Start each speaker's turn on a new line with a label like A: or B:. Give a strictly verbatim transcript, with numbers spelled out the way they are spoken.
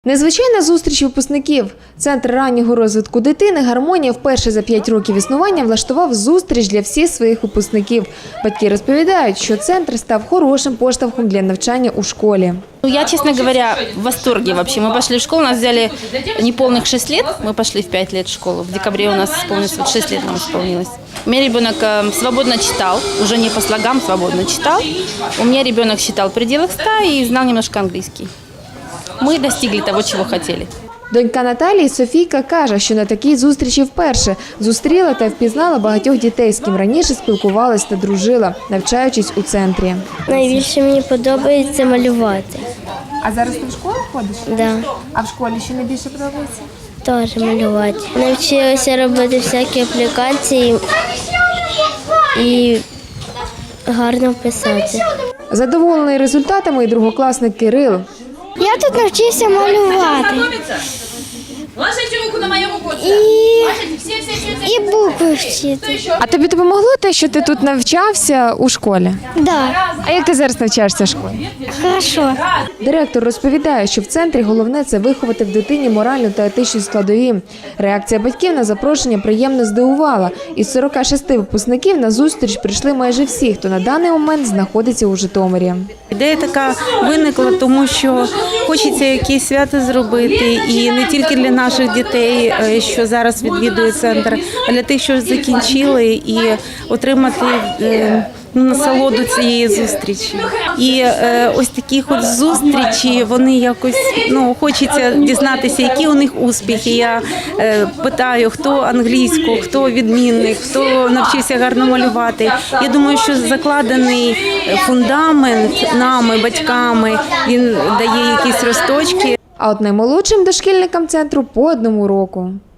A: Незвичайна зустріч випускників. Центр раннього розвитку дитини «Гармонія» вперше за п'ять років існування влаштував зустріч для всіх своїх випускників. Батьки розповідають, що центр став хорошим поштовхом для навчання у школі.
B: Я, честно говоря, в восторге вообще. Мы пошли в школу, нас взяли неполных шесть лет, мы пошли в пять лет в школу. В декабре у нас исполнилось, вот шесть лет нам исполнилось. У меня ребенок свободно читал, уже не по слогам, свободно читал. У меня ребенок считал в пределах ста и знал немножко английский. Мы достигли того, чего хотели.
A: Донька Наталії Софійка каже, що на такій зустрічі вперше зустріла та впізнала багатьох дітей, з ким раніше спілкувалась та дружила, навчаючись у центрі.
C: Найбільше мені подобається малювати.
A: А зараз ти в школу ходиш?
C: Да,
A: А в школі що найбільше подобається?
C: теж малювати. Навчилася робити всякі аплікації і гарно писати.
A: Задоволений результатами і другокласник Кирил.
C: Я тут навчився малювати.
D: Ложите руку на мою руку.
C: І,
D: Все, все, все, все.
C: і букви вчити.
A: А тобі допомогло те, що ти тут навчався у школі?
C: Да,
A: А як ти зараз навчаєшся в школі?
C: хорошо.
A: Директор розповідає, що в центрі головне – це виховати в дитині моральну та етичні складові. Реакція батьків на запрошення приємно здивувала. Із сорока шести випускників на зустріч прийшли майже всі, хто на даний момент знаходиться у Житомирі.
E: Ідея така виникла, тому що хочеться якісь свято зробити, і не тільки для наших дітей, що зараз відвідують центр, а для тих, що закінчили, і отримати ну, насолоду цієї зустрічі. І е, ось такі от зустрічі, вони якось, ну, хочеться дізнатися, які у них успіхи. Я е, питаю, хто англійську, хто відмінник, хто навчився гарно малювати. Я думаю, що закладений фундамент нами, батьками, він дає якісь росточки.
A: А от наймолодшим дошкільникам центру по одному року.